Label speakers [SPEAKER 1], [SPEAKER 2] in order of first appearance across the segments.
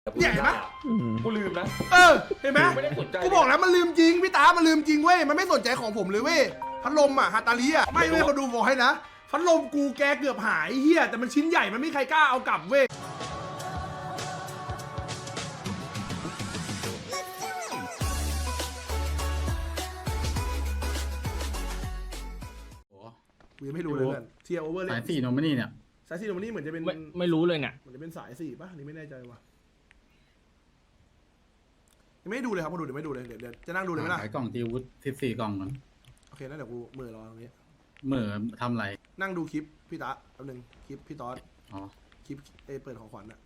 [SPEAKER 1] เนี่ยเห็นไหม
[SPEAKER 2] กูลืมนะ
[SPEAKER 1] เห็นไหม
[SPEAKER 2] ไม่ได้สนใจ
[SPEAKER 1] กูบอกแล้วมันลืมจริงพี่ตามันลืมจริงเว้ยมันไม่สนใจของผมเลยเว้ยพัดลมอ่ะฮาตาลีอ่ะไม่เว้ยเขาดูบอกให้นะพัดลมกูแกเกือบหายเฮียแต่มันชิ้นใหญ่มันไม่มีใครกล้าเอากลับเว้ยกูยังไม่รู้เลยเพื่อนเทียร์โอเวอร์เลย
[SPEAKER 3] สายสี่โนมินี่เนี่ย
[SPEAKER 1] สายสีโนมันนี่เหมือนจะเป็น
[SPEAKER 4] ไม่รู้เลยเนี่ย
[SPEAKER 1] เหมือนจะเป็นสายสี่ป่ะอันนี่ไม่แน่ใจว่ะยังไม่ได้ดูเลยครับมาดูเดี๋ยวไม่ดูเลยเดี๋ยวจะนั่งดูเลยไหมล่ะ
[SPEAKER 3] ขายกล่องตีวุฒิ14 กล่องก่อน
[SPEAKER 1] โอเคแล้วเดี๋ยวกูมือรอตรงนี้
[SPEAKER 3] เหมื่อทำไร
[SPEAKER 1] นั่งดูคลิปพี่ตาแป๊บนึงคลิปพี่ตอส
[SPEAKER 3] อ๋อ
[SPEAKER 1] คลิปเปิดของขวัญอะ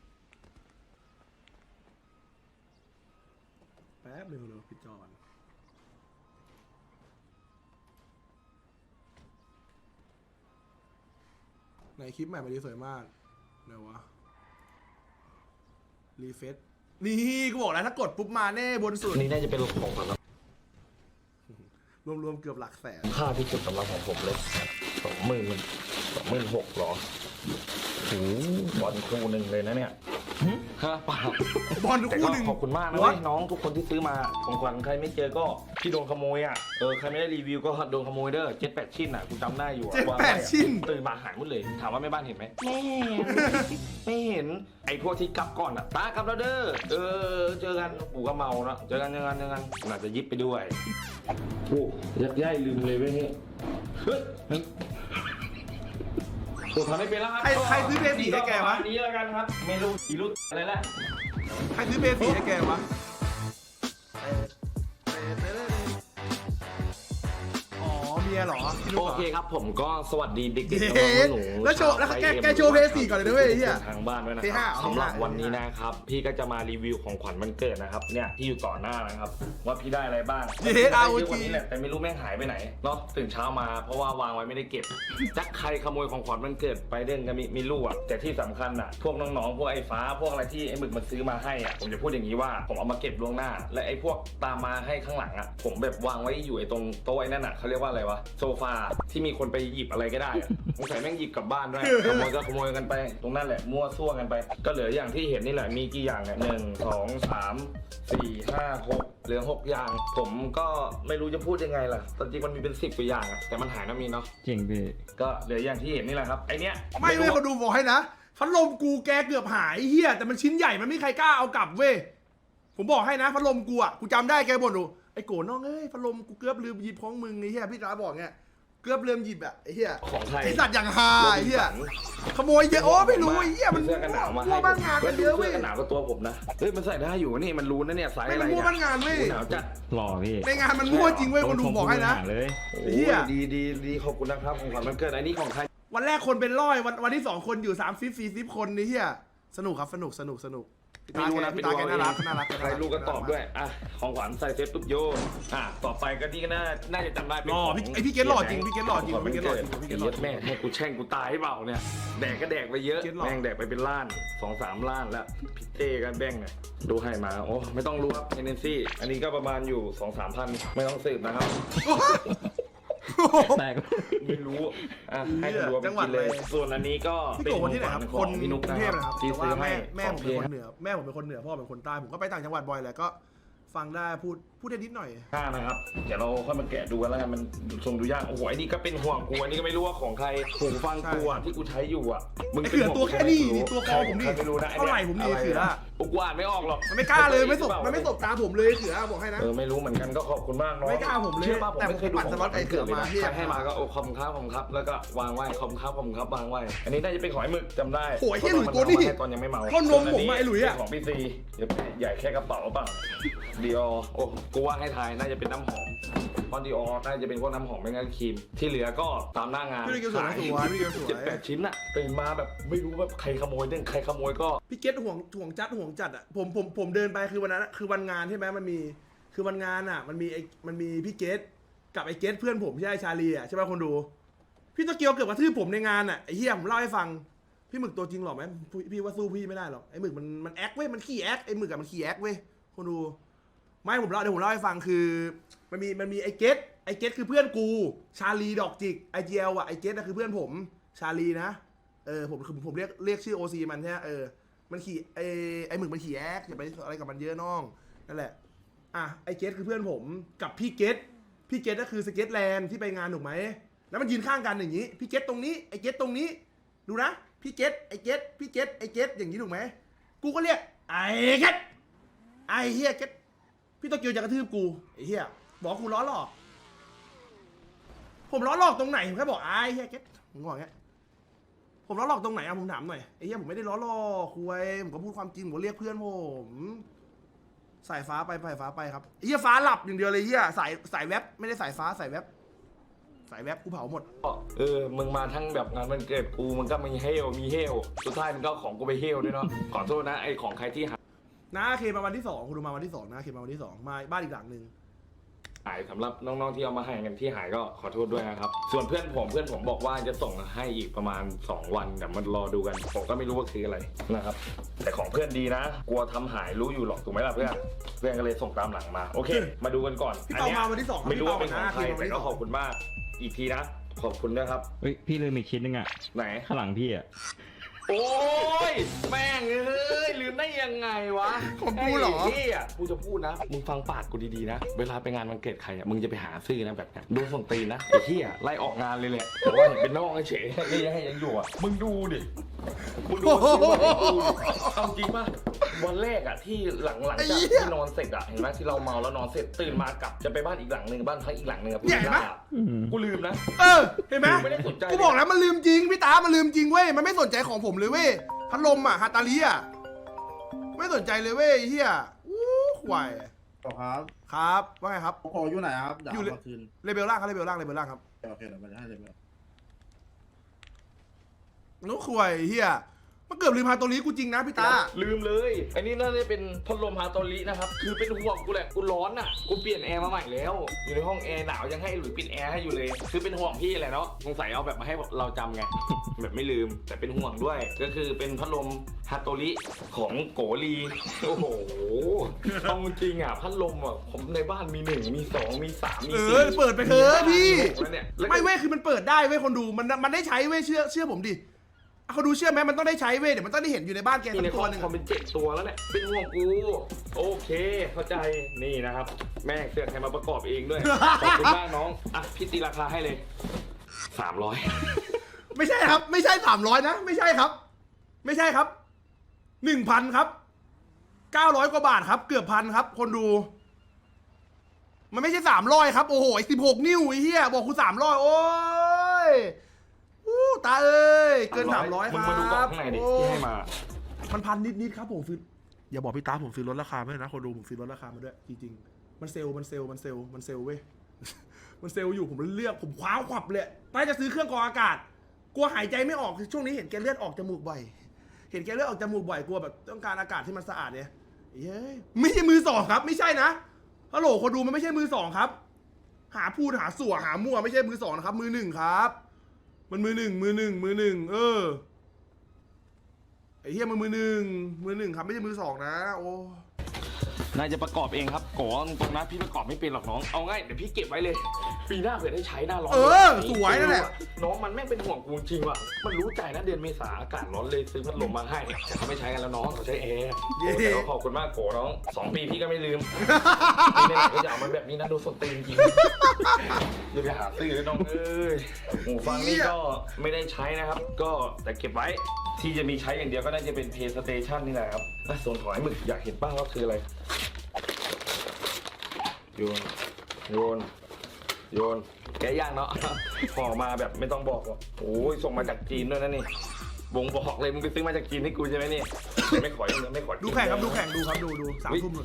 [SPEAKER 1] แป๊บนึงเดี๋ยวปิดจอก่อนในคลิปใหม่มาดีสวยมากเดี๋ยววะรีเฟซนี่กูบอกแล้วถ้ากดปุ๊บมาแน่บนสุด
[SPEAKER 2] นี่น่าจะเป็นของขวัญ
[SPEAKER 1] รวมๆเกือบหลักแสน
[SPEAKER 2] ค่าที่สุดสำหรับของผมเลย26,000หรอโอ้บอลคู่หนึ่งเลยนะเนี่ยฮะเปล่า
[SPEAKER 1] บอล
[SPEAKER 2] แต่
[SPEAKER 1] คู่
[SPEAKER 2] ก็
[SPEAKER 1] หนึ่ง
[SPEAKER 2] ขอบคุณมากนะเว้ยน้องทุกคนที่ซื้อมาของขวัญใครไม่เจอก็ที่โดนขโมยอ่ะใครไม่ได้รีวิวก็โดนขโมยเด้อ7-8 ชิ้นอ่ะกูจำได้อยู่
[SPEAKER 1] 7-8 ชิ้น
[SPEAKER 2] ตื่นมาหายหมดเลยถามว่าแม่บ้านเห็นไหมไม่เห็นไอ้พวกที่กลับก่อนอ่ะตากลับแล้วเด้อเจอกันกูก็เมาเนาะเจอกันน่าจะยิบไปด้วยโอ้ยักย่ายลืมเลยเว้ยเฮ้ยผมทำไม่เป็นแล้วครับ
[SPEAKER 1] ใครซื้อเพย์สี่ให้แกวะ
[SPEAKER 2] นี้แล้วกันครับเมนูสีรุ่อะไรแหละ
[SPEAKER 1] ใครซื้อเบสีให้แกวะอ๋อเมียเหรอพี่ลูก
[SPEAKER 2] โอ
[SPEAKER 1] เหรอ
[SPEAKER 2] เคครับผมก็สวัสดีเด็ก
[SPEAKER 1] เย้
[SPEAKER 2] ๆน้องๆหนูๆ
[SPEAKER 1] แล้วโชว์แล้วแกโชว์เพย์สี่ก่อนเลยนะเว้ยไอ้เหี้ย
[SPEAKER 2] ทางบ้านด้วยนะ
[SPEAKER 1] เพย์
[SPEAKER 2] ค
[SPEAKER 1] ห้า
[SPEAKER 2] รับ
[SPEAKER 1] เอา
[SPEAKER 2] สำหรับ
[SPEAKER 1] เพย์ห้า
[SPEAKER 2] วันนี้นะครับพี่ก็จะมารีวิวของขวัญวันเกิดนะครับเนี่ยที่อยู่ต่อหน้านะครับว่าพี่ได้อะไรบ้าง
[SPEAKER 1] เย้เอา
[SPEAKER 2] ได้เยอะก
[SPEAKER 1] จริ
[SPEAKER 2] ว่าง นี้แหละแต่ไม่รู้แม่งหายไปไหนเนาะตื่นเช้ามาเพราะว่าวางไว้ไม่ได้เก็บจักใครขโมยของขวัญวันเกิดไปเด่นก็มีลูกอ่ะแต่ที่สำคัญอ่ะพวกน้องๆพวกไอ้ฟ้าพวกอะไรที่ไอ้หมึกมันซื้อมาให้อ่ะผมจะพูดอย่างนี้ว่าผมเอามาเก็บล่วงหน้า และไอ้พวกตามมาให้ข้างหลังอ่ะผมแบบวางไว้อยู่ไอ้ตรงโต๊ะไอ้นั่นอ่ะเขาเรียกว่าอะไรวะโซฟาที่มีคนไปหยิบอะไรก็ได้อะสงสัยแม่งหยิบกลับบ้านด้วยขโมยก็ขโมยกันไป ตรงนั้นแหละมั่วซั่วกันไป ก็เหลืออย่างที่เห็นนี่แหละมีกี่อย่างเนี่ย1 2 3 4 5 6เหลือ6อย่างผมก็ไม่รู้จะพูดยังไงล่ะตอนจริงมันมีเป็น10 กว่าอย่างอะแต่มันหายนะมีเนาะ
[SPEAKER 4] จริงพี่
[SPEAKER 2] ก็เหลืออย่างที่เห็นนี่แหละครับไอเนี้ย
[SPEAKER 1] ไม่เว้ยเขาดูบอกให้นะพัดลมกูแกเกือบหายเฮียแต่มันชิ้นใหญ่มันไม่มีใครกล้าเอากลับเว้ยผมบอกให้นะพัดลมกูอ่ะกูจำได้แกบ่นดูไอ้โกน้องเอ้ยพัดลมกูเกือบลืมหยิบของมึงไอ้เฮียพี่ตาบอกเงี้ยเกือบลืมหยิบอ่ะไอ้เฮีย
[SPEAKER 2] ของใคร
[SPEAKER 1] ไอ้สัตว์อย่างฮาไอ้เฮียขโมยเยอะโอ้ไม่รู้ไอ้เฮียมัน
[SPEAKER 2] เสื้อกันหนาวมา
[SPEAKER 1] มั่วบ้านงานมันเยอะเว้ย
[SPEAKER 2] เสื้อกันหนาวก็ตัวผมนะเฮ้ยมันใส่ได้อยู่นี่มันรู้นะเนี่ยไซส์
[SPEAKER 1] ไม่
[SPEAKER 2] อะไร
[SPEAKER 1] มันมั่ว
[SPEAKER 2] เนี่ย
[SPEAKER 1] บ้านงานเว้ย
[SPEAKER 2] หนาวจัด
[SPEAKER 4] หล่อพี่
[SPEAKER 1] ในงานมันมั่วจริงเว้ยคนดูบอกให้นะ
[SPEAKER 4] เลย
[SPEAKER 1] เหี้ย
[SPEAKER 2] ดีขอบคุณนะครับของขวัญวันเกิดอันนี้ของใคร
[SPEAKER 1] วันแรกคนเป็นร้อยวันที่2คนอยู่30-40คนนี่เฮียสนุกครับสนุกพี่
[SPEAKER 2] ไม่รู้นะ
[SPEAKER 1] พี่ตาแกน่ารัก
[SPEAKER 2] ใครรู้ก็ตอบด้วยอ่ะของขวัญใส่เซฟตุ๊บโยนต่อไปก็นี่ก็น่าจะจำได้เป็น
[SPEAKER 1] หล่อ
[SPEAKER 2] ของ
[SPEAKER 1] ไอพี่เกตหล่อจริงพี่เกตหล่อจริง
[SPEAKER 2] ของ
[SPEAKER 1] พี่เกตหล่อจริง
[SPEAKER 2] ขวัญ
[SPEAKER 1] พี่เก
[SPEAKER 2] วัน
[SPEAKER 1] ตหล่อจริง
[SPEAKER 2] เกิดแม่ให้กูแช่งกูตายให้เปล่าเนี่ยแดกก็แดกไปเยอะ
[SPEAKER 1] เกรดหล่อ
[SPEAKER 2] แม่งแดกไปเป็นล้าน2-3 ล้านแล้วพี่เต้กันแบ่งหน่อยดูให้มาโอ้ไม่ต้องรู้ครับเอเนซี่อันนี้ก็ประมาณอยู่ 2-3 พันไม่ต้องสืบนะครับ
[SPEAKER 4] แตก
[SPEAKER 2] ไม่รู้ให้ดูว่าไปกินเลยส่วนอันนี้ก็
[SPEAKER 1] พี่
[SPEAKER 2] เป็น
[SPEAKER 1] โกคนที่ไหนครับ
[SPEAKER 2] ข
[SPEAKER 1] ค
[SPEAKER 2] อน งพี่นุ๊ก
[SPEAKER 1] กรุ
[SPEAKER 2] นะ
[SPEAKER 1] งเท
[SPEAKER 2] ค
[SPEAKER 1] พ
[SPEAKER 2] รับ
[SPEAKER 1] นะครับ
[SPEAKER 2] ที่
[SPEAKER 1] แต่
[SPEAKER 2] ซื้อ
[SPEAKER 1] ว่า
[SPEAKER 2] ให้
[SPEAKER 1] แม่ผมเป็นคน
[SPEAKER 2] ครับ
[SPEAKER 1] เหนือแม่ผมเป็นคนเหนือพ่อเป็นคนใต้ผมก็ไปต่างจังหวัดบ่อยแหละก็ฟังได้พูดได้นิดหน่อย
[SPEAKER 2] นะครับเดี๋ยวเราค่อยมาแกะดูกันแล้วกันมันทรงดูยากโอ้โหไอ้นี่ก็เป็นห่วงกูอันนี้ก็ไม่รู้ว่าของใครหูฟังกูที่กูใช้อยู่อ่ะมึง
[SPEAKER 1] ไอ้
[SPEAKER 2] เป็น
[SPEAKER 1] เขือ
[SPEAKER 2] ห่วง
[SPEAKER 1] ตัวแค่นี้นี่ตัวคอผม
[SPEAKER 2] ใค
[SPEAKER 1] นี่
[SPEAKER 2] รไม่รู้นะ
[SPEAKER 1] เท่าไหร่ผมนี่เขือ
[SPEAKER 2] กูอ่านไม่ออกหรอก
[SPEAKER 1] มันไม่กล้าเลยไม่สบตาผมเลยเขือบอกให้นะ
[SPEAKER 2] ไม่รู้เหมือนกันก็ขอบคุณมากน้อง
[SPEAKER 1] ไม่กล้าผมเลย
[SPEAKER 2] ชื่อป่ะผม
[SPEAKER 1] แต่
[SPEAKER 2] ไม่เคยดู
[SPEAKER 1] ผมปั่นสล็อตไอ้เขือมา
[SPEAKER 2] ใครให้มาก็โอ้ขอบคุณครับแล้วก็วางไว้ขอบคุณครับวางไว้อันนี้น่าจะเป็นของไอ้หมึกจำได้
[SPEAKER 1] โอ้ยไอ้หลุยตัวนี้
[SPEAKER 2] ตอนยังไม่เมา
[SPEAKER 1] ก้นนมผมไอ้หลุยอะ
[SPEAKER 2] ของพี่ซีเดี๋ยวใหญ่แค่กระเป๋าเปล่าดีอโอ้กูว่าให้ทายน่าจะเป็นน้ำหอมเพราะดีอน่าจะเป็นพวกน้ำหอมไม่งั้นครีมที่เหลือก็ตามหน้างาน
[SPEAKER 1] พี่เกศสวยพี่เกศสวย
[SPEAKER 2] 7-8 ชิ้นอะตื่นมาแบบไม่รู้ว่าใครขโมยเด้งใครขโมยก็
[SPEAKER 1] พี่เกตห่วงจัดอ่ะผมเดินไปคือวันนั้นคือวันงานใช่ไหมมันมีคือวันงานอ่ะมันมีพี่เกตกับไอ้เกตเพื่อนผมใช่ชาลีอ่ะใช่ไหมคนดูพี่ตะเกียวเกือบกระทืบผมในงานอ่ะไอ้เหี้ยผมเล่าให้ฟังพี่หมึกตัวจริงหรอไหมพี่ว่าสู้พี่ไม่ได้หรอกไอ้หมึกมันแอคเว้ยมันขี้แอคไอ้หมึกอะมันขี้แอคเว้ยคนดูไม่เดี๋ยวผมเล่าให้ฟังคือมันมีไอ้เกตคือเพื่อนกูชาลีดอกจิกไอเจลอ่ะไอ้เกตน่ะคือเพื่อนผมชาลีนะผมเรียกชื่อโอซีมันใช่ไหมมันขี่ไอหมึกมันขี่แอคอย่าไปอะไรกับมันเยอะน้องนั่นแหละอ่ะไอเกตคือเพื่อนผมกับพี่เกตก็คือสเก็ตแลนด์ที่ไปงานถูกไหมแล้วมันยืนข้างกันอย่างนี้พี่เกตตรงนี้ไอเกตตรงนี้ดูนะพี่เกตไอเกตพี่เกตไอเกตอย่างนี้ถูกไหมกูก็เรียกไอเกตไอเฮียเกตพี่โตเกียวจะกระทืบกูไอเฮียบอกกูล้อหลอกผมล้อหลอกตรงไหนผมแค่บอกไอเฮียเกตผมบอกอย่างเงี้ยผมล้อหลอกตรงไหนอะผมถามหน่อยไอ้เหี้ยผมไม่ได้ล้อหลอกคุยผมก็พูดความจริงผมก็เรียกเพื่อนผมสายฟ้าไปครับไอ้เหี้ยฟ้าหลับอย่างเดียวเลยเหี้ยสายแวบไม่ได้สายฟ้าสายแวบกูเผาหมด
[SPEAKER 2] มึงมาทั้งแบบงานวันเกิดกูมันก็มีเฮลสุดท้ายมันก็ของกูไปเฮลด้วยเนาะขอโทษนะไอของใครที่หาย
[SPEAKER 1] น้าเคมาวันที่2คุณดูมาวันที่2นะเคมาวันที่2มาบ้านอีกหลังหนึ่ง
[SPEAKER 2] สำหรับน้องๆที่เอามาให้กันที่หายก็ขอโทษด้วยนะครับส่วนเพื่อนผมบอกว่าจะส่งให้อีกประมาณ2วันเดี๋ยวมารอดูกันผมก็ไม่รู้ว่าคืออะไรนะครับแต่ของเพื่อนดีนะกลัวทำหายรู้อยู่หรอกถูกไหมล่ะเพื่อนก็เลยส่งตามหลังมาโอเคมาดูกันก่อน
[SPEAKER 1] พี่เปามาวันที่2
[SPEAKER 2] ไม่รู้ว่าเป็นของใครแต่ก็ขอบคุณมากอีกทีนะขอบคุณด้วยครับ
[SPEAKER 4] เฮ้ยพี่ลืมอีกชิ้นนึงอ่ะ
[SPEAKER 2] ไหน
[SPEAKER 4] ข้างหลังพี่อ่ะ
[SPEAKER 2] โอ้ยแม่งเอ้ยลืมได้ยังไงวะ
[SPEAKER 1] ของกูเหรอ
[SPEAKER 2] ไพี่อ่ะกูจะพูดนะมึงฟังปากกูดีๆนะเวลาไปงานวันเกิดใครอ่ะมึงจะไปหาซื้อนะแบบนี้โดนส่งตีนนะไอ้ที่อ่ะไล่ออกงานเลยแหละแต่ว่าเห็นเป็นน้องเฉยๆยังอยู่อ่ะมึงดูดิมึงดูเอาจริงป่ะวันแรกอ่ะที่หลังจากที่นอนเสร็จอ่ะเห็นไหมที่เราเมาแล้วนอนเสร็จตื่นมากลับจะไปบ้านอีกหลังหนึ่งบ้านพักอีกหลังหนึ่งอ่ะกูลืมนะ
[SPEAKER 1] เห็นไหม
[SPEAKER 2] ไม่ได้สนใจ
[SPEAKER 1] กูบอกแล้วมันลืมจริงพี่ตามันลืมจริงเว้ยมันไม่สนใจของผมเลยเว้ยพัดลมอ่ะฮาตาลีอ่ะไม่สนใจเลยเว้ยเฮียอู้ควาย
[SPEAKER 5] ครับ
[SPEAKER 1] ครับว่าไงครับ
[SPEAKER 5] โอ้โหอยู่ไหนครับเดี๋ยว
[SPEAKER 1] อยู่
[SPEAKER 5] เอามาคืน
[SPEAKER 1] เลเวลล่างครับเลเวลล่างครับ
[SPEAKER 5] โอเคเดี๋ยวมันจะให้เลย
[SPEAKER 1] นุ้ควายเฮียมันเกือบลืมพาตัวนี้กูจริงนะพี่ตา
[SPEAKER 2] ลืมเลยอันนี้น่าจะเป็นพัดลมฮาโตรินะครับคือเป็นห่วงกูแหละกูร้อนอ่ะกูเปลี่ยนแอร์มาใหม่แล้วอยู่ในห้องแอร์หนาวยังให้หลุยปิดแอร์ให้อยู่เลยคือเป็นห่วงพี่แหละเนาะสงสัยเอาแบบมาให้เราจำไง แบบไม่ลืมแต่เป็นห่วงด้วยก็คือเป็นพัดลมฮาโตริของโกลีโอ้โหเอาจริงอ่ะพัดลมอ่ะผมในบ้านมี1มี2มี3มี4
[SPEAKER 1] เปิดไปเถอะพี่
[SPEAKER 2] แล้วเนี่ย
[SPEAKER 1] ไม่เว้ยคือมันเปิดได้เว้ยคนดูมันได้ใช้เว้ยเชื่อผมดิเขาดูเชื่อไหมมันต้องได้ใช้เว้ยเดี๋ยวมันต้องได้เห็นอยู่ในบ้านแก
[SPEAKER 2] มีใน
[SPEAKER 1] สัก
[SPEAKER 2] ค
[SPEAKER 1] ตั
[SPEAKER 2] อ
[SPEAKER 1] ว
[SPEAKER 2] ม
[SPEAKER 1] หนึ่ง
[SPEAKER 2] เป็น7 ตัวแล้วแหละเป็นห่วงกูโอเคเข้าใจนี่นะครับแม่เสือกใครมาประกอบเองด้วยขอบคุณมากน้องอ่ะพี่ตีราคาให้เลย300
[SPEAKER 1] ไม่ใช่ครับไม่ใช่300นะไม่ใช่ครับ 1,000 ครับ900 กว่าบาทครับเกือบ1,000ครับคนดูมันไม่ใช่300ครับโอ้โห16 นิ้วไอ้เหี้ยบอกคุณ300โอ้ยตาเอ้ยเกิน300ครับ
[SPEAKER 2] มึงมาดูกล่องข้างในดิที่ให้มา
[SPEAKER 1] มันพันนิดครับผมซื้ออย่าบอกพี่ตาผมซื้อลดราคาไม่ได้นะคนดูผมซื้อลดราคามาด้วยจริงๆมันเซลล์เว้ย มันเซลล์อยู่ผมเลือกผมคว้าขวับเลยป้าจะซื้อเครื่องกรองอากาศกลัวหายใจไม่ออกช่วงนี้เห็นแกเลือดออกจมูกบ่อยกลัวแบบต้องการอากาศที่มันสะอาดเนี่ยเย้ยไม่ใช่มือสองครับไม่ใช่นะฮัลโหลคนดูมันไม่ใช่มือสองครับหาพูดหาสั่วหามั่วไม่ใช่มือสองนะครับมือหนึ่งครับมันมือหนึ่งไอ้เหี้ยมือหนึ่งครับไม่ใช่มือสองนะโอ้
[SPEAKER 2] นายจะประกอบเองครับโกตรงนะพี่ประกอบไม่เป็นหรอกน้องเอาง่ายเดี๋ยวพี่เก็บไว้เลยปีหน้าเผื่อได้ใช้หน้าร้อน
[SPEAKER 1] สวยนั่นแหละ
[SPEAKER 2] น้องมันแม่งเป็นห่วงกูจริงว่ะมันรู้ใจนะเดือนเมษาอากาศร้อนเลยซื้อพัดลมมาให้แต่เขาไม่ใช้กันแล้วน้องเขาใช้แอร์แต่ก็ขอบคุณมากโกน้อง2 ปีพี่ก็ไม่ลืมปีนี้ก็จะเอามันแบบนี้นะดูสดตีนจริงอย่าไปหาซื้อน้องเอ้ยหูฟังนี่ก็ไม่ได้ใช้นะครับก็แต่เก็บไว้ที่จะมีใช้อย่างเดียวก็น่าจะเป็น PlayStation นี่แหละครับส่วนของไอ้หมึกอยากเห็นบ้างว่าคืออะไรโยนแกะย่างเนาะห่อมาแบบไม่ต้องบอกหรอกโอ้ยส่งมาจากจีนด้วยนะนี่วงบอกเลยมึงไปซื้อมาจากจีนให้กูใช่ไหมนี่ไม่ขอยังไม่ขอ
[SPEAKER 1] ดูแข่งครับดู3 ทุ่มเลย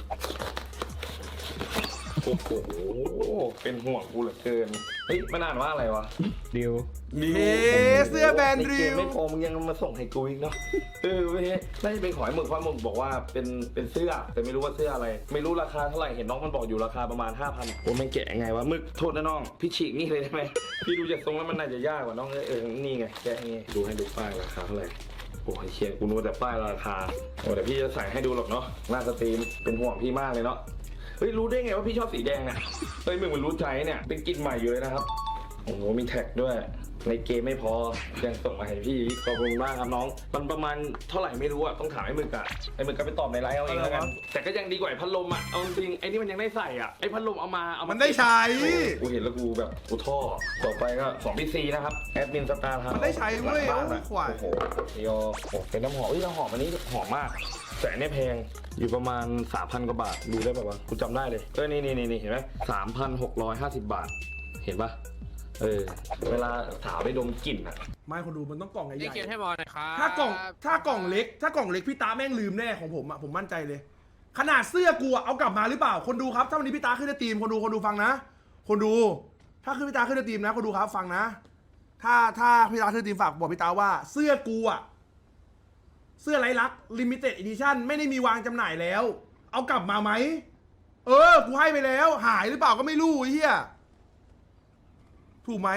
[SPEAKER 2] โอ้โหเป็นห่วงกูเหลือเกินเฮ้ยมันอ่านว่าอะไรวะ
[SPEAKER 4] ดิว
[SPEAKER 1] เสื้อแบรนด์ริว
[SPEAKER 2] ไม่พอมึงยังมาส่งให้กูอีกเนาะเว้ยน่าจะเป็นขอยหมึกเพราะหมึกบอกว่าเป็นเสื้อแต่ไม่รู้ว่าเสื้ออะไรไม่รู้ราคาเท่าไหร่เห็นน้องมันบอกอยู่ราคาประมาณ 5,000โอ้มันแกะไงวะหมึกโทษนะน้องพี่ฉีกนี่เลยได้ไหมพี่ดูจากทรงแล้วมันน่าจะยากกว่าน้องนี่ไงแกะนี่ดูให้ดูป้ายราคาเท่าไหร่โอ้ยเชียร์กูรู้แต่ป้ายราคาโอ้แต่พี่จะใส่ให้ดูหรอกเนาะหน้าสตรีมเป็นห่วงพี่มากเลยเนาะเฮ้ยรู้ได้ไงว่าพี่ชอบสีแดงเนี่ยเฮ้ยมึงมันรู้ใจเนี่ยเป็นกลิ่นใหม่อยู่เลยนะครับโอ้โหมีแท็กด้วยในเกมไม่พอยังส่งมาให้พี่ขอบคุณมากครับน้องมันประมาณเท่าไหร่ไม่รู้อะต้องถามไอ้หมึกอะไอ้หมึกก็ไปตอบในไลน์เอาเองแล้วกันแต่ก็ยังดีกว่าไอ้พัดลมอะเอาจริงไอ้นี่มันยังได้ใส่อะไอ้พัดลมเอามามั
[SPEAKER 1] มันได้ใช้
[SPEAKER 2] กูเห็นแล้วกูแบบกูท่อต่อไปก็2พี่ซีนะครับแอดมินสตาร์ทำ
[SPEAKER 1] มันได้ใช้เว้ย
[SPEAKER 2] บ้านอะ
[SPEAKER 1] โอ้ยขวาย
[SPEAKER 2] โอ้โหเดียวโอ้เป็นน้ำหอมน้ำหอมอันนี้หอมมากแต่อันนี้แพงอยู่ประมาณ 3,000 กว่าบาทดูได้ป่าวะกูจำได้เลยนี่เห็นไหม3,650 บาทเห็นปะเวลาถาวไปดมกลิ่นอะ
[SPEAKER 1] ไม่คนดูมันต้องกล่องให
[SPEAKER 6] นี่
[SPEAKER 1] ญ่
[SPEAKER 6] เก็บให้บอลหน่อยครับ
[SPEAKER 1] ๆถ้ากล่องเล็กพี่ตาแม่งลืมแน่ของผมอะผมมั่นใจเลย ขนาดเสื้อกูอะเอากลับมาหรือเปล่าคนดูครับถ้าวันนี้พี่ตาขึ้นในทีมคนดูฟังนะคนดูถ้าขึ้นพี่ตาขึ้นในทีมนะคนดูครับฟังนะถ้าพี่ตาขึ้นในทีมฝากบอกพี่ตาว่าเสื้อกูอะเสื้อไร้ลักลิมิเต็ดอีดิชั่นไม่ได้มีวางจำหน่ายแล้ว เอากลับมาไหมกูให้ไปแล้วหายหรือเปล่าก็ไม่รู้ไอ้เหี้ยถูกไหม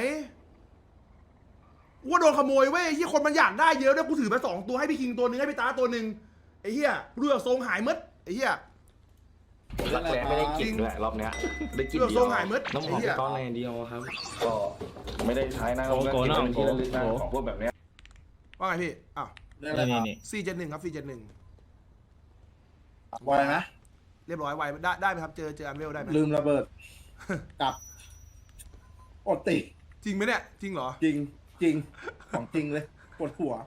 [SPEAKER 1] ว่าโดนขโมยเว้ยไอ้เหี้ยคนมันอยากได้เยอะด้วยกูถือไป2 ตัวให้พี่คิงตัวหนึ่งให้พี่ตาตัวหนึ่งไอ้เหี้ยเรือทรงหายมดไอ้เหี้ย
[SPEAKER 2] รักแร้ไม่ได้กลิ่นด้วยรอบเนี้ยได้กลิ่น
[SPEAKER 1] เรื่อง
[SPEAKER 2] เดี
[SPEAKER 1] ท
[SPEAKER 2] ย
[SPEAKER 1] ร
[SPEAKER 2] ว
[SPEAKER 1] งหายมืด
[SPEAKER 2] น้ำหอม
[SPEAKER 1] ไอ้เหี้ย
[SPEAKER 2] ก้อนอะไรเดียวครับ ก็ไม่ได้ใช้นะเราก็เก็บเป็นที่ระลึกนะของพวกแบบเนี้ย
[SPEAKER 1] ว่าไงพี่อ้าว
[SPEAKER 5] เรื่องอะไรครับ
[SPEAKER 4] นี่
[SPEAKER 1] 471ครับ471
[SPEAKER 5] ไวไหม
[SPEAKER 1] เรียบร้อยไวได้ไหมครับเจออันเวลได้ไหม
[SPEAKER 5] ลืมระเบิดกลับอดติ
[SPEAKER 1] จริงไหมเนี่ยจริงเหรอ
[SPEAKER 5] จริงของจริงเลยปวดหัว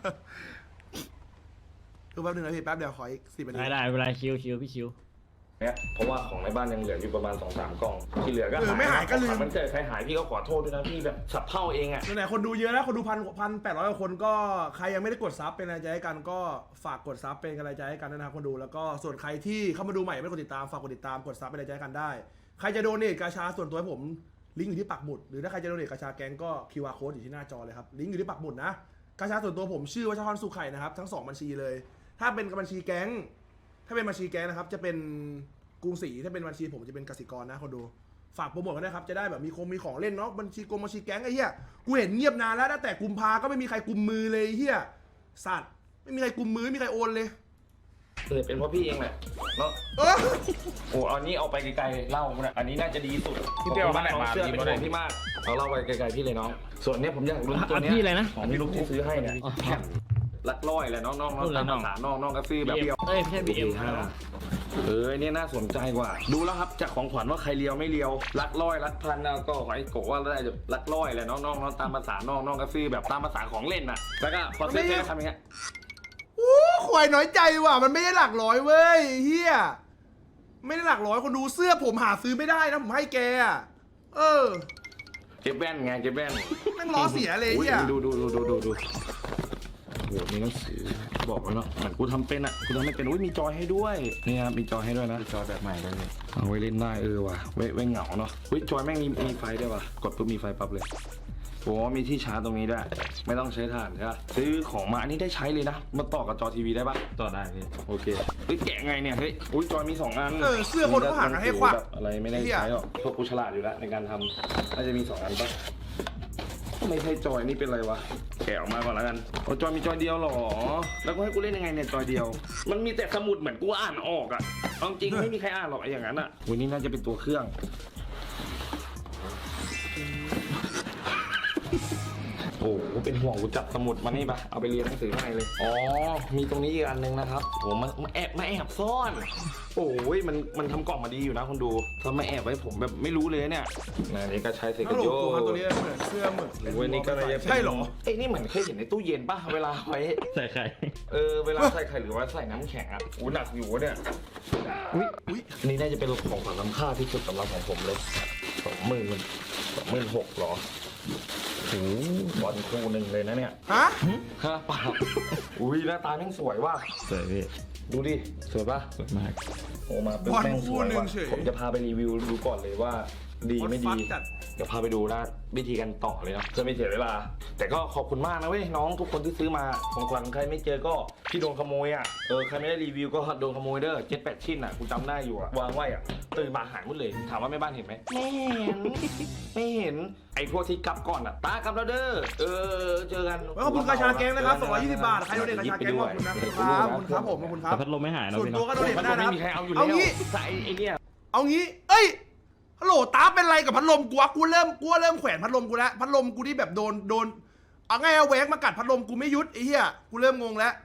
[SPEAKER 1] แป๊บนึงนะพี่แป๊บเดียวขออีก10 นาที
[SPEAKER 4] ได้เวลาคิวพี่คิว
[SPEAKER 2] เนี่ยเพราะว่าของในบ้านยังเหลืออยู่ประมาณ 2-3 กล่องที่เหลือก็
[SPEAKER 1] ไม่หายก็ลืม
[SPEAKER 2] มันเกิดใครหายพี่ก็ขอโทษด้วยนะพี่แบบสับเท่าเองอ่ะ
[SPEAKER 1] ไหนๆคนดูเยอะแล้วคนดู1,800 กว่าคนก็ใครยังไม่ได้กดซับเป็นกำลังใจให้กันก็ฝากกดซับเป็นกำลังใจให้กันด้วยนะครับคนดูแล้วก็ส่วนใครที่เข้ามาดูใหม่ไม่ได้กดติดตามฝากกดติดตามกดซับเป็นกำลังใจให้กันได้ใครจะโดเนทกาชาส่วนตัวให้ผมลิงก์อยู่ที่ปักหมุดหรือถ้าใครจะโดเนทกาชาแก๊งก็ QR code อยู่ที่หน้าจอเลยครับลิงก์อยู่ที่ปักหมุดนะกาชาส่วนตัวผมชื่อวัชรสุขไข่นะครับทั้ง2บัญชีเลยถ้าเป็นบัญชีแก๊งนะครับจะเป็นกรุงศรีถ้าเป็นบัญชีผมจะเป็นกสิกรนะคนดูฝากโปรโมทกันนะครับจะได้แบบมีของเล่นเนาะบัญชีแก๊งไอ้เหี้ยกูเห็นเงียบนานแล้วตั้งแต่กุมภาก็ไม่มีใครกุมมือเลยไอ้เหี้ยสัตว์ไม่มีใครกุมมือไม่มีใครโอนเลย
[SPEAKER 2] เป็นเพราะพี่เองแหละเนาะ
[SPEAKER 1] เออ
[SPEAKER 2] โอ้เอานี้เอาไปไกลๆเล่ามันอันนี้น่าจะดีสุด
[SPEAKER 6] พี่เปียวมาไหนมา
[SPEAKER 2] เชื่อเป็นของพี่มากเอาเล่าไปไกลๆพี่เลยน้องส่วนเนี้ยผมอยากรู้ตัวเนี้ย
[SPEAKER 4] พี่อะไรนะ
[SPEAKER 2] ของพี่ลูกที่ซื้อให้เนี่ยลักร้อยแหละน้องๆตามภาษาน้องก็ซื้อแบบเดียว
[SPEAKER 4] ไม่ใช่ BM
[SPEAKER 2] เนี่ยน่าสนใจกว่า ดูแล้วครับจากของขวัญว่าใครเลียวไม่เลียวลักร้อยลักพันก็ขอให้โกว่าได้ลักร้อยแหละน้องๆตามภาษาน้องก็ซื้อแบบตามภาษาของเล่นน่ะแล้วก็พอซื้อแค่ทำอย่างเงี้ย
[SPEAKER 1] ควายน้อยใจว่ะมันไม่ได้หลักร้อยเว้ยเฮียไม่ได้หลักร้อยคนดูเสื้อผมหาซื้อไม่ได้นะผมให้แกอะ
[SPEAKER 2] เก็บแว่นไงเก็บแว่น
[SPEAKER 1] แม่งล้อเสียเลยเฮีย
[SPEAKER 2] ดูโอ้โหมีหนังสือบอกไว้เนาะเหมือนกูทำเป็นอ่ะกูทำไม่เป็นอุ้ยมีจอยให้ด้วยนี่ครับมีจอยให้ด้วยนะจอยแบบใหม่เลยเอาไว้เล่นได้ว่ะไว้เหงาเนาะอุ้ยจอยแม่งมีไฟด้วยว่ะกดปุ๊บมีไฟปั๊บเลยโอ้มีที่ชาร์จตรงนี้ด้วยไม่ต้องใช้ถ่านใช่ปะซื้อของมาอันนี้ได้ใช้เลยนะมาต่อกับจอทีวีได้ปะ
[SPEAKER 4] ต่อได้พี่
[SPEAKER 2] โอเคเฮ้ยแกะไงเนี่ยเฮ้ยอุ้ยจอยมี2 อัน
[SPEAKER 1] เสื้อคนก็หาให้ควัก
[SPEAKER 2] แบบอะไรไม่ได้ใช้หรอกพวกกูฉลาดอยู่แล้วในการทำน่าจะมี2 อันปะไม่ใช่จอยนี่เป็นไรวะแกะออกมาก่อนแล้วกันโอ้จอยมีจอยเดียวหรอแล้วก็ให้กูเล่นยังไงเนี่ยจอยเดียว มันมีแต่สมุดเหมือนกูอ่านออกอะเอาจริงไม่มีใครอ่านหรอกไอ้อย่างนั้นอะวันนี้น่าจะเป็นตัวเครื่องโอ้โหเป็นห่วงกูจับสมุดมานี่ปะเอาไปเรียนหนังสือข้างในเลยอ๋อมีตรงนี้อีกอันนึงนะครับโอ้มาแอบซ่อนโอ้ยมันทำกล่องมาดีอยู่นะคนดูถ้าไม่แอบไว้ผมแบบไม่รู้เลยเนี่ยนี่ก็ใช้เซ
[SPEAKER 1] ต
[SPEAKER 2] กัน
[SPEAKER 1] ล
[SPEAKER 2] โย
[SPEAKER 1] กตัวครับตัวนี้เหมือนเสื้อหมึก
[SPEAKER 2] เว้ยนี่ก็เลย
[SPEAKER 1] ใช่เหรอ
[SPEAKER 2] ไอ้นี่เหมือนเคยเห็นในตู้เย็นป่ะเวลาไว้
[SPEAKER 4] ใส่ไข่
[SPEAKER 2] เวลาใส่ไข่หรือว่าใส่น้ำแข็งอ่ะอู้หนักอยู่เนี่ยอุ้ยอันนี้น่าจะเป็นของขวัญล้ำค่าที่สุดสำหรับของผมเลย26,000หรอโอ้บอลคู่หนึ่งเลยนะเนี่ย
[SPEAKER 1] ฮะ
[SPEAKER 2] ฮะเปล่าอุ้ยหน้าตาแม่งสวยว่ะ
[SPEAKER 4] สวยพี่
[SPEAKER 2] ดูดิสวยป่ะ
[SPEAKER 4] สวยมาก
[SPEAKER 2] โอ้มาเป็นแม่งสวยว่ะผมจะพาไปรีวิวดูก่อนเลยว่าดีไม่ดี เดี๋ยวพาไปดูนะวิธีกันต่อเลยนะเพื่อไม่เสียเวลาแต่ก็ขอบคุณมากนะเว้ยน้องทุกคนที่ซื้อมาของขวัญใครไม่เจอก็ที่โดนขโมยอ่ะใครไม่ได้รีวิวก็โดนขโมยเด้อ7-8 ชิ้นอ่ะกูจำได้อยู่อ่ะวางไว้อ่ะตื่นมาหายหมดเลยถามว่าแม่บ้านเห็นไหมไม่เห็นไอ้พวกที่กลับก่อนอ่ะตากลับแล้วเด้อเจอกัน
[SPEAKER 1] ขอบคุณกาชาแก๊งนะครับ220 บาทใครโดเนทกาชาแก๊งขอบคุณนะครับขอบคุณครับผมขอบคุณครับ
[SPEAKER 4] แต่พัดลมไม่หายนะ
[SPEAKER 1] ส่วน
[SPEAKER 4] พี่
[SPEAKER 1] ตัว
[SPEAKER 4] เนาะ
[SPEAKER 1] ก็โดเนท
[SPEAKER 2] มัน
[SPEAKER 1] ได้นะ
[SPEAKER 2] ไม่
[SPEAKER 1] ครับ
[SPEAKER 2] มีใครเอาอยู่
[SPEAKER 1] เอา
[SPEAKER 2] แล้ว
[SPEAKER 1] งี้
[SPEAKER 2] ใส่ไอ้เนี่ย
[SPEAKER 1] เอางี้เอ้ยฮัลโหลตาเป็นไรกับพัดลมกูวะกูเริ่มแขวนพัดลมกูแล้วพัดลมกูที่แบบโดนเอาไงเอาแหวกมากัดพัดลมกูไม่ยุดไอ้เหี้ยกูเริ่มงงแล้ว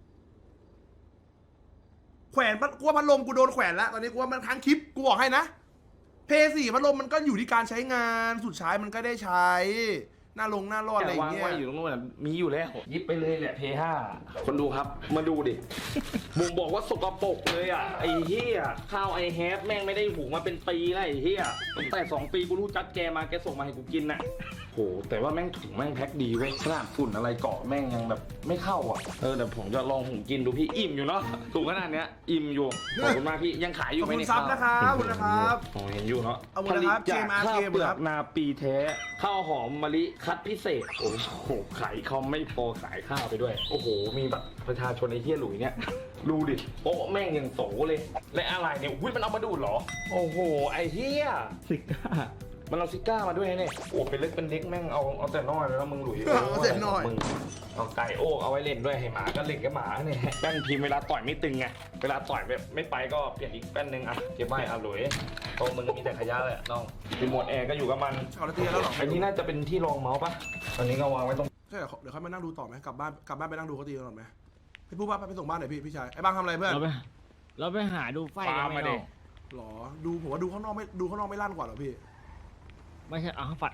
[SPEAKER 1] แขวนกูว่าพัดลมกูโดนแขวนแล้วตอนนี้กูว่ามันค้างคลิปกูบอกให้นะเพย์4พัดลมมันก็อยู่ที่การใช้งานสุดท้ายมันก็ได้ใช้หน้ารอดอะไรอ
[SPEAKER 2] แต่
[SPEAKER 1] ย่าง
[SPEAKER 2] วาง
[SPEAKER 1] เงี้ย
[SPEAKER 2] ไว้อยู่ตรงนู้นมีอยู่แล้วยิบไปเลยแหละเพย์5คนดูครับมาดูดิผมบอกว่าสกปรกเลยอ่ะไอ้เหี้ยข้าวไอแฮปแม่งไม่ได้หุงมาเป็นปีแล้วไอ้เหี้ยตั้งแต่2 ปีกูรู้จักแกมาแกส่งมาให้กูกินน่ะโหแต่ว่าแม่งถุงแม่งแพ็คดีเว้ยขนาดฝุ่นอะไรเกาะแม่งยังแบบไม่เข้าอ่ะแต่ผมจะลองหุงกินดูพี่อิ่มอยู่เนาะถุงขนาดเนี้ยอิ่มอยู่ขอบคุณมากพี่ยังขายอ
[SPEAKER 1] ข
[SPEAKER 2] ยู่
[SPEAKER 1] อบ
[SPEAKER 2] ไหม
[SPEAKER 1] คุณ
[SPEAKER 2] เนี่ย
[SPEAKER 1] ซับนะครับขอบคุณนะครับ
[SPEAKER 2] ผมเห็นอยู่เนาะ
[SPEAKER 1] เอาหม
[SPEAKER 2] ผ
[SPEAKER 1] ด
[SPEAKER 2] ลิ
[SPEAKER 1] นะค
[SPEAKER 2] ต
[SPEAKER 1] รับ
[SPEAKER 2] จาก
[SPEAKER 1] JMRK
[SPEAKER 2] ข้าวเปลื
[SPEAKER 1] ค
[SPEAKER 2] อ
[SPEAKER 1] รั
[SPEAKER 2] ก
[SPEAKER 1] บ
[SPEAKER 2] นาปีแท้ข้าวหอมมะลิคัดพิเศษโอ้โหขายเขาไม่พอขายข้าวไปด้วยโอ้โหมีแบบประชาชนไอ้เหี้ยหลุยเนี่ยดูดิโอ้แม่งยังโสเลยและอะไรเนี่ยอุ้ยมันเอามาดูดเหรอโอ้โหไอ้เหี้ย
[SPEAKER 4] ซิก้า
[SPEAKER 2] มันเอาซิก้ามาด้วยเนี่ยโอ้เป็นเล็กเป็นเล็กแม่งเอาแต่น้อยแล้วมึงหลุย
[SPEAKER 1] เอาแต่น้อย
[SPEAKER 2] มึงเอาไก่โอ้เอาไว้เล่นด้วยให้หมาก็เล่นกับหมาเนี่ยแป้นพิมพ์เวลาต่อยไม่ตึงไงเวลาต่อยแบบไม่ไปก็เปลี่ยนอีกแป้นหนึ่งอ่ะเก็บไว้อ่ะหลุยโตมึงมีแต่ขยะแหละน้องรีโมทแอร์ก็อยู่กับมัน
[SPEAKER 1] เอาละเตียแล้วเหรอ
[SPEAKER 2] อันนี้น่าจะเป็นที่รองเมาส์ปะอันนี้ก็วางไว้ตรง
[SPEAKER 1] ใช่เดี๋ยวค่อยมานั่งดูต่อไหมกลับบ้านไปนั่งดูเขาตีกันก่อนไหมพี่พูดว่าไปส่งบ้านหน่อยพี่ชายไอ้บ้างทำอะไรเพื่อน
[SPEAKER 4] เราไปหาดูไฟกันไหม
[SPEAKER 1] หรอดูผมว่าดูข้างนอกไม่ลั่นกว่าหรอพี่
[SPEAKER 4] ไม่ใช่ฝัด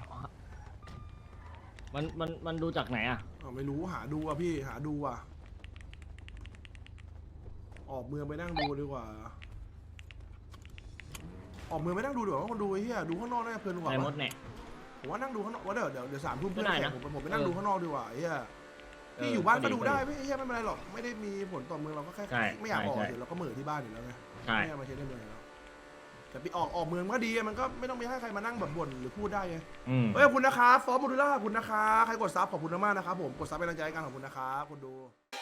[SPEAKER 4] มันดูจากไหนอ่ะ
[SPEAKER 1] ไม่รู้หาดูอ่ะพี่หาดูอ่ะออกเมืองไปนั่งดูดีกว่าออกเมืองไปนั่งดูดีกว่าว่าคนดูไอ้เหี้ยดูข้างนอกน่าจะเพลินกว่า
[SPEAKER 4] ไอ้มดเนี่ย
[SPEAKER 1] ผมว่านั่งดูข้างนอกว่าเดี๋ยว3 ทุ่ม
[SPEAKER 4] ไม่ได้นะ
[SPEAKER 1] ผมไปนั่งดูข้างนอกดีกว่าไอ้เหี้ยพี่อยู่บ้านก็ดูได้ไม่ไอ้เหี้ยไม่เป็นไรหรอกไม่ได้มีผลต่อเมืองเราก็แค่ไม่อยากออกเดี๋ยวเราก็เหม่อที่บ้านอยู่แล้วไง
[SPEAKER 4] ใช่
[SPEAKER 1] ไม่อยากมาใช้ในเมืองแล้วแต่ไปออกเมืองก็ดีมันก็ไม่ต้องไปให้ใครมานั่งแบบบ่นหรือพูดได้ไง เฮ้ยขอบคุณนะครับฟอร์มโมดูล่าขอบคุณนะคะใครกดซับขอบคุณมากนะครับผมกดซับเป็นกำลังใจให้กันขอบคุณนะครับคนดู